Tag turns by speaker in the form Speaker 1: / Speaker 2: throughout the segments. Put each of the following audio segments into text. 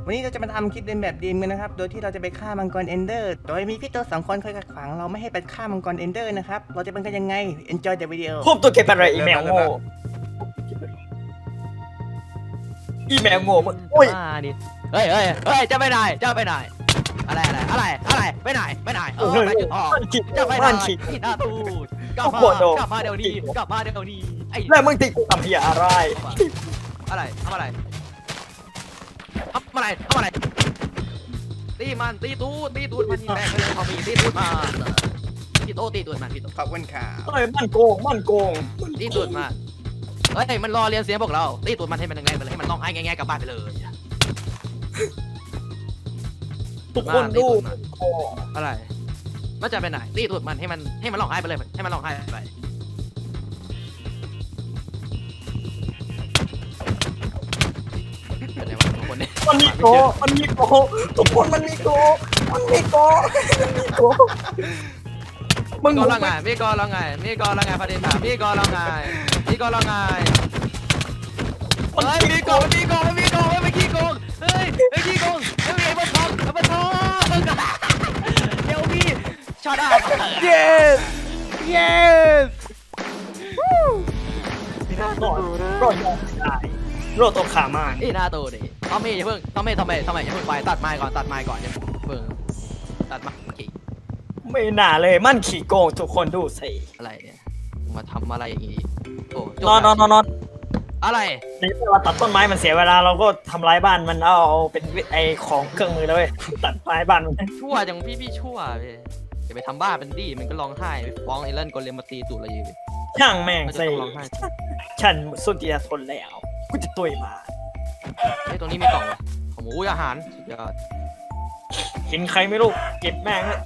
Speaker 1: วันนี้เราจะมาทำคลิปเดินแบบดีมกันนะครับโดยที่เราจะไปฆ่ามังกรเอนเดอร์โดยมีพี่ตัว2 คนคอยขัดขวางเราไม่ให้ไปฆ่ามังกรเอนเดอร์นะครับเราจะเป็นกันยังไง enjoy the video
Speaker 2: พวกตัวเก็บอะไรอีเมลโง่อีเมลโง่มึงอุ้ย
Speaker 3: ดิเฮ้ยจะไปไหนอะไรไปไหนไปจุดออกจะไปไหนที่หน้าตู้กลับมาเดี๋ยวนี้ไอ้
Speaker 2: แล้วมึงติกูทำเพี้ยอะไร
Speaker 3: อะไรทำอะไรตีมันตีตูดมันยิงแรงเลยพอมีตีตูดมาตีตูดมันพี่โต
Speaker 1: ขอบคุณค่ะ
Speaker 2: เฮ้ยมันโกง
Speaker 3: ตีตูดมาเฮ้ยมันรอเรียนเสียงพวกเราตีตูดมันให้มันแรงๆไปเลยให้มันร้องไห้แง่ๆกลับบ้านไปเลย
Speaker 2: ทุกคนดูโอ้
Speaker 3: อะไรมันจะไปไหนตีตูดมันให้มันร้องไห้ไปเลยให้มันร้องไห้ไปเป็นไงวะคนนี้
Speaker 2: มันมีโกทุกคนมันมีโกมึง
Speaker 3: ก็ละไงมีก็ละไงประเด็นถามมีก็ละไงเฮ้ยมีก็ไม่ขี้โกงเฮ้ยไม่ขี้โกงไม่มีไอ้บอลทองเดี๋ยวพี่ช็อตอ่ะ
Speaker 1: yes
Speaker 2: รอดยอมได้รอดตัวขามาน
Speaker 3: อีหน้าตัวดิทอมมี่อย่าเพิ่งทอมมี่อย่าเพิ่งไปตัดไม้ก่อนอย่าเพิ่งตัดไม้ขี่
Speaker 2: ไม่น่าเลยมันขี่โกงทุกคนดูสิ
Speaker 3: อะไรเนี่ยมาทำอะไรอย่างงี้โอ้
Speaker 2: นอน
Speaker 3: อะไร
Speaker 2: ในเวลาตัดต้นไม้มันเสียเวลาเราก็ทำลายบ้านมันเอาเป็นไอของเครื่องมือแล้วเว้ยตัดไม้บ้านมัน
Speaker 3: ชั่วจังพี่ชั่วพี่อย่าไปทำบ้าเป็นดีมันก็ร้องไห้ฟ้องไอ้เล่นกลเลมมาตีตูดเราอยู่
Speaker 2: ช่างแม่ง
Speaker 3: มันจะ
Speaker 2: สิ
Speaker 3: ต้องร้องไห้
Speaker 2: ฉันสุดที่จะทนแล้วกูจะตุยมา
Speaker 3: ไอ้ตรงนี้มีกล่องของหมูอาหารสุดยอด
Speaker 2: เห็นใครไม่รู้เก็บแม่งเลย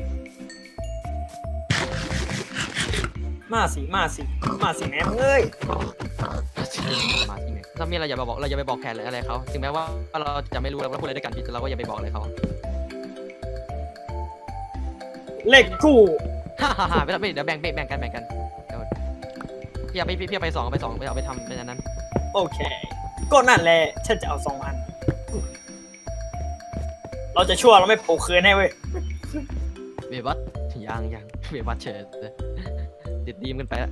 Speaker 2: มาสิแม่มึงเอ้ย
Speaker 3: มาที่ไหนถ้ามีอะไรอย่าไปบอกแขกอะไรเขาถึงแม้ว่าเราจะไม่รู้เราพูดอะไรด้วยกันพี่เราก็อย่าไปบอกเลยเขา
Speaker 2: เล็กกู
Speaker 3: ฮ่าไม่เดี๋ยวแบ่งกันพี่เอาไปสองไปเอาไปทำเป็นอันนั้น
Speaker 2: โอเคก็นั่นแหละฉันจะเอา2 อันเราจะชั่วเราไม่ปลูกคืนให้เว้ย
Speaker 3: เบบัสยังเบบัสเฉยติดดีมกันไปแล้ว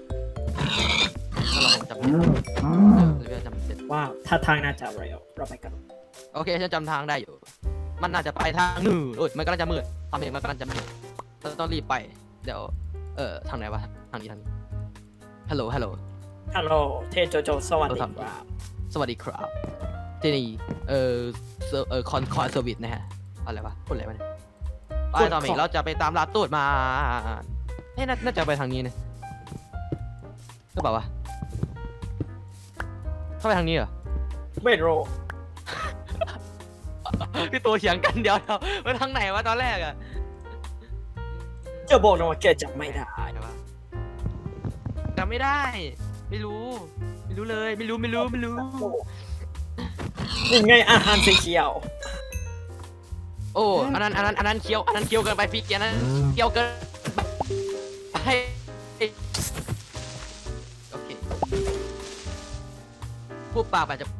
Speaker 3: เราคงจำเสร็จ
Speaker 2: ว้าวถ้าทางน่าจะเร็วเราไปกัน
Speaker 3: โอเคฉันจำทางได้อยู่มันน่าจะไปทางหนึ่งมันกำลังจะมืดทำเองมันกำลังจะมืดต้องรีบไปเดี๋ยวทางไหนวะทางนี้ฮัลโหล
Speaker 2: ฮัลโหลเทโจโจสวัสดีครับ
Speaker 3: สวัสดีครับที่นี่คอนเซอร์วิสนะฮะอะไรวะพูดอะไรวะเนี่ยไปตอนนี้เราจะไปตามลาตูดมาน่าจะไปทางนี้นะก็บอกว่าเข้าไปทางนี้เหรอ
Speaker 2: ไม่รู้
Speaker 3: พี่ตัวเถียงกันเดี๋ยวไปทางไหนวะตอนแรกอะ
Speaker 2: จะบอกนะว่าแกจำไม่ได้
Speaker 3: จำไม่ได้ไม่รู้เลยไม่รู้
Speaker 2: นี่ไงอาหารสีเขียว
Speaker 3: โอ้อันนั้นเคี้ยวเกินไปพี่เกียร์นั้นเคี้ยวเกินไปโอเคพูดปากไปจะ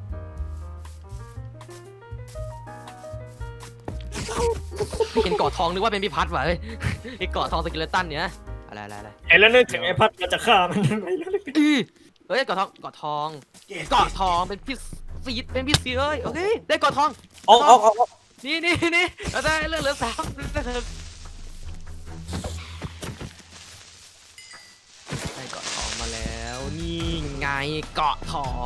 Speaker 3: เห็นเกาะทองนึกว่าเป็นพี่พัดว่ะเฮ้ยไอ้เกาะทองสกิเลตันเนี่ยอะไร
Speaker 2: เห็นแล้วนึกถึงไอ้พัดเราจะฆ่ามันไปแล้ว
Speaker 3: เฮ้ยเกาะทองเป็นพี่ซีดเอ้ยโอเคได้เกาะทอง
Speaker 2: ออก
Speaker 3: นี่เราได้เลือด3ได้เกาะทองมาแล้วนี่ไงเกาะทอง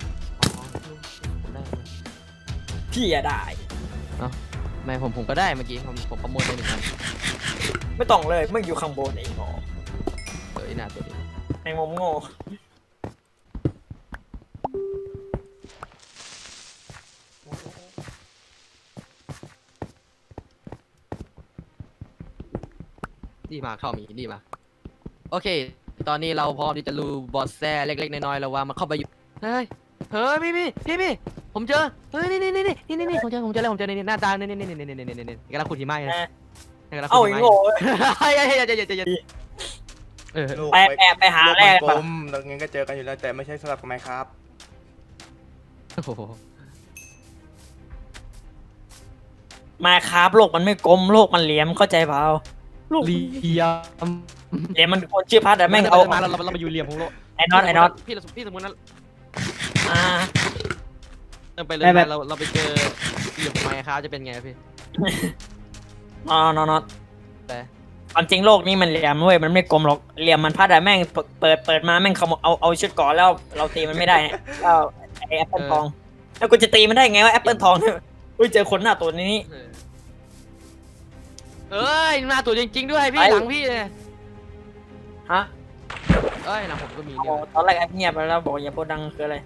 Speaker 2: พี่อย่าได้
Speaker 3: ไม่ผมก็ได้เมื่อกี้ผมประมวลไป1 อัน
Speaker 2: ไม่ต้องเลยมึงอยู่ข้างบนไอ้หมอ
Speaker 3: หน้าตัวนี้
Speaker 2: ไอ้งมโง่
Speaker 3: ดีมากชอบมีดีมากโอเคตอนนี้เราพร้อมที่จะรู้บอสแซ่เล็กๆน้อยๆแล้วว่ามันเข้าไปอยู่เฮ้ยพี่ผมเจอเฮ้ยนี่ผมเจอนี่หน้าตานี่กำลังขุดหิมะนะกำลังขุ
Speaker 2: เอ้า
Speaker 3: ดหิ
Speaker 2: ไอ้
Speaker 3: มะ
Speaker 2: โง่
Speaker 3: เฮ้ย
Speaker 2: ไปหาแร่
Speaker 1: กลมเรางั้นก็เจอกันอยู่แล้วแต่ไม่ใช่สำหรับไมค์ครับ
Speaker 3: โอ้โห
Speaker 2: มาครับโลกมันไม่กลมโลกมันเหลี่ยมเข้าใจเปล่าโลก
Speaker 3: เหลี่ยม
Speaker 2: เหลี่ยมมันคนชื่อพัดแต่แม่งเอา
Speaker 3: มาเรามาอยู่เหลี่ยมของโลก
Speaker 2: ไอ้น็อต
Speaker 3: พี่สมมตินั้น
Speaker 2: อ่า
Speaker 3: เดินไปเลย
Speaker 2: ไม่แบบ
Speaker 3: เราไปเจอเหลี่ยมของไมค์ครับจะเป็นไงพี่
Speaker 2: น็อต
Speaker 3: แต่
Speaker 2: ความจริงโลกนี้มันเหลี่ยมเว้ยมันไม่กลมหรอกเหลี่ยมมันพัดแต่แม่งเปิดมาแม่งเขาเอาชุดก่อนแล้วเราตีมันไม่ได้เนี่ยก็ไอ้แอปเปิลทองแล้วกูจะตีมันได้ไงว่าแอปเปิลทองเนี่ยอุ้ยเจอคนหน้าตัวนี้
Speaker 3: เอ้ยหน้าตัวจริงๆด้วยพี่
Speaker 2: ไป
Speaker 3: หลังพี่เนี่ย
Speaker 2: ฮะ
Speaker 3: เอ้ยหลังผมก็มี
Speaker 2: โอ้
Speaker 3: เนี่ย
Speaker 2: ตอนแรกแอปเงียบไปแล้วบอกอย่าพูดดังคืออะไร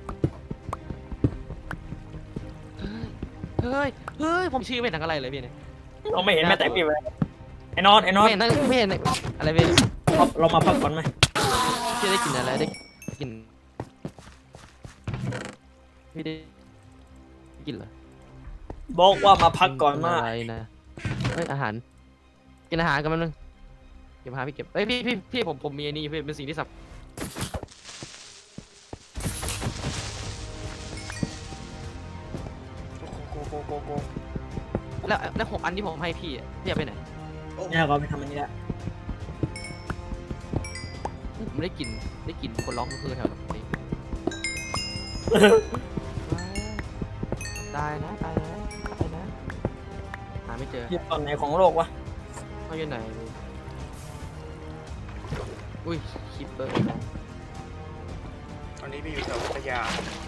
Speaker 3: เฮ้ยผมชื่อไม่เห็นทั้งอะไรเลยพี่เนี่ย
Speaker 2: เราไม่เห็นแม้แต่พี่เลยไอ้น็อต
Speaker 3: ไม่เห็นทั้งไม่เห็นอะไรพี่
Speaker 2: เรามาพักก่อนไหม
Speaker 3: พี่ได้กลินอะไรได้กลินพี่ได้กลินเหรอ
Speaker 2: บอกว่ามาพักก่อนมาก
Speaker 3: อะไรนะเฮ้ยอาหารกินอาหารกันมันนึงเก็บอาหารพี่เก็บเอ้ยพี่ผมมีอันนี้พี่เป็นสิ่งที่สับ
Speaker 1: โก
Speaker 3: แล้ว6 อันที่ผมให้พี่อะพี่เอาไปไหน
Speaker 2: เนี่ยเราไปทำอันนี้แล้ว
Speaker 3: ผมได้กลิ่นคนร้องคือแถวนี้ตายนะหาไม่เจอ
Speaker 2: อยู่ตอนไหนของโลกวะ
Speaker 3: เขาอยู่ไหนอุ้ยคิปเปอร์
Speaker 1: ตอนนี้พี่อยู่แถวพัทยา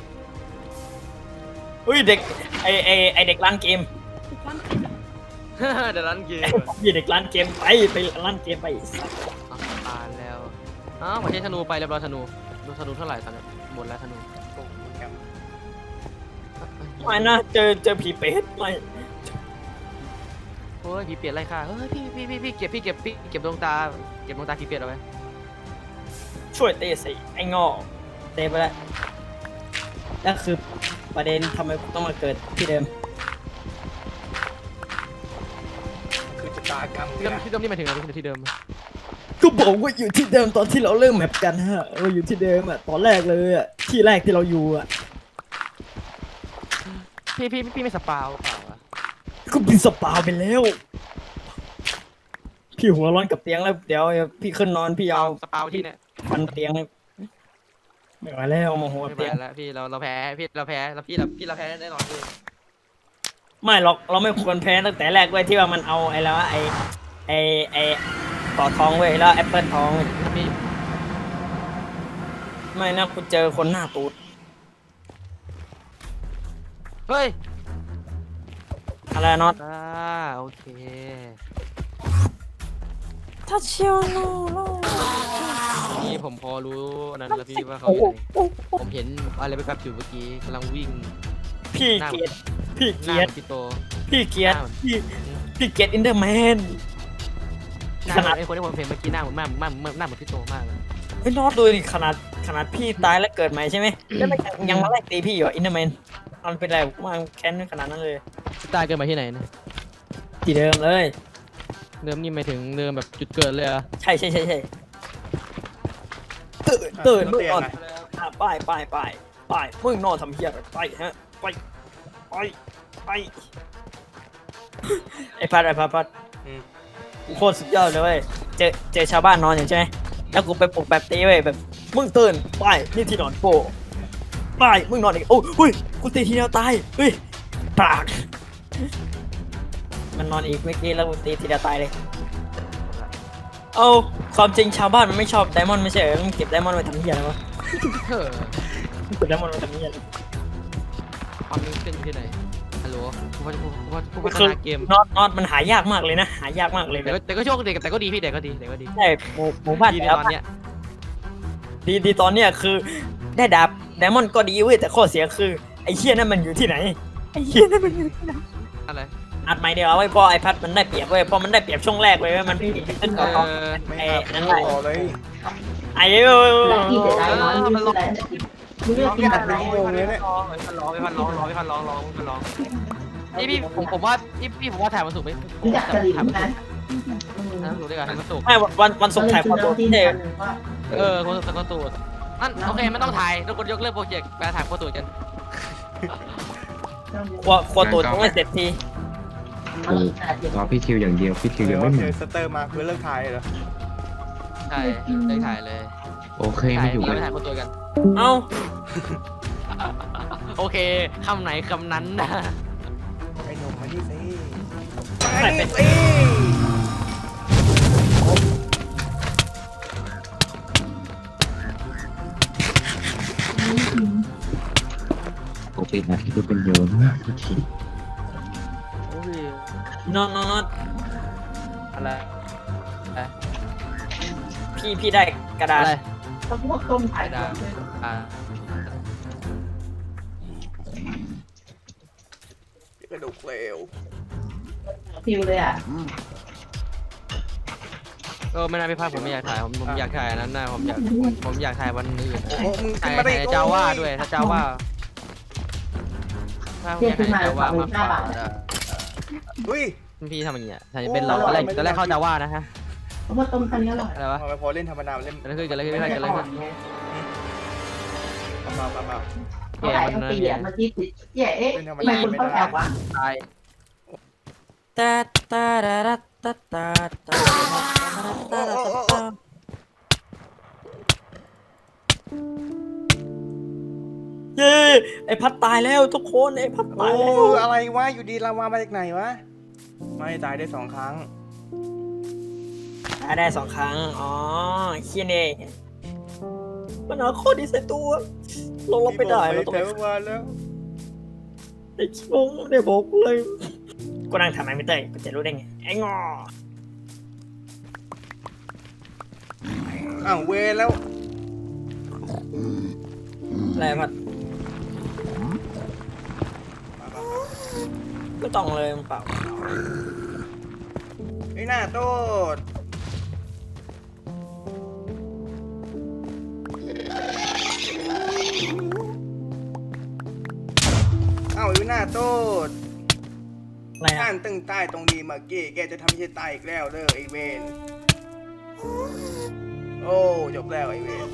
Speaker 2: อุ้ยเด็กไอเด็กร้านเกม
Speaker 3: เดี๋ยวร้านเกม
Speaker 2: พี่เด็กร้านเกมไปร้านเกมไป
Speaker 3: ตายแล้วอ้าวผมใช้ธนูไปแล้วธนูเท่าไหร่ตอนนี้หมดแล้วธนู
Speaker 2: ไม่นะเจอผีเป็ดไม่
Speaker 3: โอ้ยผีเปียดไรค่ะเฮ้ยพี่เก็บดวงตาผีเปียดเอาไว้
Speaker 2: ช่วยเตะสิไอ้งอเตะไปแล้วนั่นคือประเด็นทำไมกูต้องมาเกิดที่เดิม
Speaker 1: คือชะตากรรม
Speaker 3: ที่เดิมนี่หมายถึงอะไรที่เดิม
Speaker 2: ก็บอกว่าอยู่ที่เดิมตอนที่เราเริ่มแมปกันฮะเราอยู่ที่เดิมอ่ะตอนแรกเลยอ่ะที่แรกที่เราอยู่อ่ะ
Speaker 3: พี่ไม่สปาวเปล่าอะ
Speaker 2: ก็บินสปาไปแล้วพี่หัวร้อนกับเตียงแล้วเดี๋ยวพี่ขึ้นนอนพี่เอา
Speaker 3: สปาวที่เนี่ย
Speaker 2: ฟันเตียงเลยไม่ไหวแล้วโมโหกับ
Speaker 3: ไม่
Speaker 2: เตียง
Speaker 3: แล้วพี่เราแพ้เราแพ้แน่นอนพี่
Speaker 2: ไม่หรอกเราไม่ควรแพ้ตั้งแต่แรกเว้ยที่ว่ามันเอาไอ้แล้วไอ้ต่อทองเว้ยแล้วแอปเปิลทองเว้ย
Speaker 3: พี่
Speaker 2: ไม่นะกูเจอคนหน้าตูด
Speaker 3: เฮ้ย
Speaker 2: อะไรน็อต
Speaker 3: โอเค
Speaker 2: ถ้าเชียวโน
Speaker 3: นี่ผมพอรู้นั้นแล้วพี่ว่าเขาอยู่ไหนผมเห็นอะไรไปกับอยู่เมื่อกี้กำลังวิ่ง
Speaker 2: พี่เกียรติพี่
Speaker 3: หน้า
Speaker 2: เกียรติ
Speaker 3: พี่โต
Speaker 2: พี่เกียรติพี่เกียรติอินเดอร์แมน
Speaker 3: หน้า
Speaker 2: ขนาด
Speaker 3: ไอ้คนที่ผมเห็นเมื่อกี้หน้าเหมือนหน้าเหมือนพี่โตมากเลย
Speaker 2: ไอ้น็อตดูดิขนาดพี่ตายแล้วเกิดใหม่ใช่ไหมแล้วมันยังมาไล่ตีพี่อยู่อินเดอร์แมนมันเป็นไรมาแค้นขนาดนั้นเลย
Speaker 3: ตายเกิดมาที่ไหนนะ
Speaker 2: ที่เดิมเลย
Speaker 3: เดิมนี่หมายถึงเดิมแบบจุดเกิดเลยเหรอ
Speaker 2: ใช่ตื่นมึงนอนไปมึงนอนทำเหี้ยอะไรไปฮะไปไอ้พัดกูโคตรสุดยอดเลยเว้ยเจอชาวบ้านนอนอยู่ใช่ไหมแล้วกูไปปลุกแบบตีเว้ยแบบมึงตื่นไปนี่ที่นอนโปไปมึงนอนอีกโอ้ยกูตีทีเดียวตายเฮ้ยปากมันนอนอีกเมื่อกี้แล้วกูตีทีเดียวตายเลยเอาความจริงชาวบ้านมันไม่ชอบไดมอนด์ไม่ใช่เหรอมันเก็บไดมอนด์ไว้ทำเหี้ยอะไรวะ
Speaker 3: เออ
Speaker 2: เก็บไดมอนด์ไว้ทำเหี้ยอะไร
Speaker 3: ความนึงขึ้นที่ไหนฮัลโหลผู้พัฒนาเกม
Speaker 2: น็อตมันหายากมากเลยนะหายากมากเลย
Speaker 3: แต่ก็โชคดีแต่ก็ดีพี่แต่ก็ดี
Speaker 2: ใช่หมู่บ้าน
Speaker 3: ดีใน
Speaker 2: แต่ละ
Speaker 3: ตอนเนี้ย
Speaker 2: ดีตอนเนี้ยคือได้ดาบไดมอนด์ก็ดีเว้ยแต่ข้อเสียคือไอ้เหี้ยนั่นมันอยู่ที่ไหนไอ้เหี้ยนั่นมันอยู่ที่ไหน
Speaker 3: อะไร
Speaker 2: อัดใหม่เดียวเอาไว้เพราะไอพัดมันได้เปรียบเว้ยเพราะมันได้เปรียบช่วงแรกเลยเว้ยมันขึ้นก่อน
Speaker 1: ไม่
Speaker 2: ไอ้
Speaker 1: อาบ
Speaker 2: นั่น
Speaker 1: น้ำ
Speaker 2: แหละ
Speaker 1: ต่อเลย
Speaker 2: ไอ้เอ้ย
Speaker 4: ที่เสียดายน้อยไม่ซื้ออะไรมึงเลือกกินแบบไหน
Speaker 3: ร้องพี่ผมว่าพี่ผมว่าถ่ายวันศุกร์ไหม
Speaker 4: รู้จักกะหรี่ไหม
Speaker 3: รู้ได้กันวันศุกร์
Speaker 2: ไม่วันศุกร์ถ่ายความตัว
Speaker 4: ที่
Speaker 2: เท่
Speaker 3: คนศุกร์ก็ตูดนั่นโอเคไม่ต้องถ่ายทุกคนยกเลิกโปรเจกต์ไปถ่ายโปรตูดกัน
Speaker 2: ครัวตูดยังไม่เสร็จที
Speaker 5: รอพี่ทิวอย่างเดียวพี่ทิวยังไม่
Speaker 1: โอ
Speaker 5: มา
Speaker 1: เคสเตอร์มาคือเลิกถ่ายเหรอ
Speaker 3: ใช่ได้ถ่ายเลย
Speaker 5: โอเค
Speaker 3: ถ่า
Speaker 5: มาย อยู่
Speaker 3: เรา
Speaker 5: กัน
Speaker 3: ไม่ถ่ายคนตัวกัน
Speaker 2: เอ้า
Speaker 3: โอเคคำไหนคำนั้นนะ
Speaker 1: ไอ้หนุ่มมานี่สิ
Speaker 2: ไป
Speaker 1: มา
Speaker 2: เป็
Speaker 1: นี่
Speaker 2: น
Speaker 1: สิ
Speaker 5: ปกตินะที่เป็นเยอะมากพี่ทิว
Speaker 3: โอ้ย
Speaker 2: นอนนอนนอน
Speaker 3: อะไรอะไร
Speaker 2: พี่ได้กระดาษ
Speaker 3: อะไร
Speaker 4: ต้องพวกต้มไข่
Speaker 3: ไม่ได้อ่า
Speaker 1: กระดูกเลว
Speaker 4: ฟิวเลยอ่ะ
Speaker 3: ไม่น่าพี่พลาดผมไม่อยากถ่ายผมอยากถ่ายอันนั้นนะผมอยากถ่ายวันอื่น
Speaker 1: โอ้โหมึง
Speaker 3: ถ่า
Speaker 1: ขึ้
Speaker 3: ย
Speaker 1: นมาได้
Speaker 3: เจ้าว่าด้วยถ้าเจ้าว่าถ้าพี่ถ่ายเจ้าว่ามาฝาก
Speaker 1: อุ้ย
Speaker 3: พี่ทำอย่างเงี้ยถ่ายเป็นเราตอนแรกเข้าเจ้าว่านะฮะ
Speaker 4: เพราะว่าต้มกันนี้อร่อย
Speaker 3: อะไรวะ
Speaker 1: ทำไมพอเล่นธรรมดาเล่น
Speaker 3: กันเลยขึ้นกันเลยขึ้นพี่พลาดกันเลยขึ้น
Speaker 1: เบา
Speaker 4: เขาขายทั้งปีอ่ะเมื่อกี้ติดเจ๊เอ๊ะทำไมคุณต้องแอบวะ
Speaker 3: ตาย
Speaker 2: ตาตาดาดาตาตาตาตาตาเย้ไอพัดตายแล้วทุกคนไอพัด
Speaker 1: โอ้
Speaker 2: ตายแล้ว
Speaker 1: อะไรวะอยู่ดีลาวามาจากไหนวะไม่ตายได้2 ครั้ง
Speaker 2: ตายได้2 ครั้งอ๋อเคียนเองมันเอาข้อดีใส่ตัวเราลบไปได้เราต้อง
Speaker 1: แต่
Speaker 2: ไป
Speaker 1: ว่าแล้ว
Speaker 2: ไอ้ชิบงไม่ได้บอกเลยกูนั่งทำไมไม่เตยกูจะรู้ได้ไงไอ้งอ
Speaker 1: อ้าวเวรแล้ว
Speaker 2: อะไรพัดไม่ต้องเลยมันเปล่า
Speaker 1: ไอ้หน้าโตดอ้าวไอ้หน้าโตด
Speaker 2: อะไร
Speaker 1: อ่า
Speaker 2: อ่ะ
Speaker 1: นตึงใต้ตรงนี้เมื่อกี้แกจะทำให้ฉันตายอีกแล้วเด้อไอเวนโอ้จบแล้วไอเวน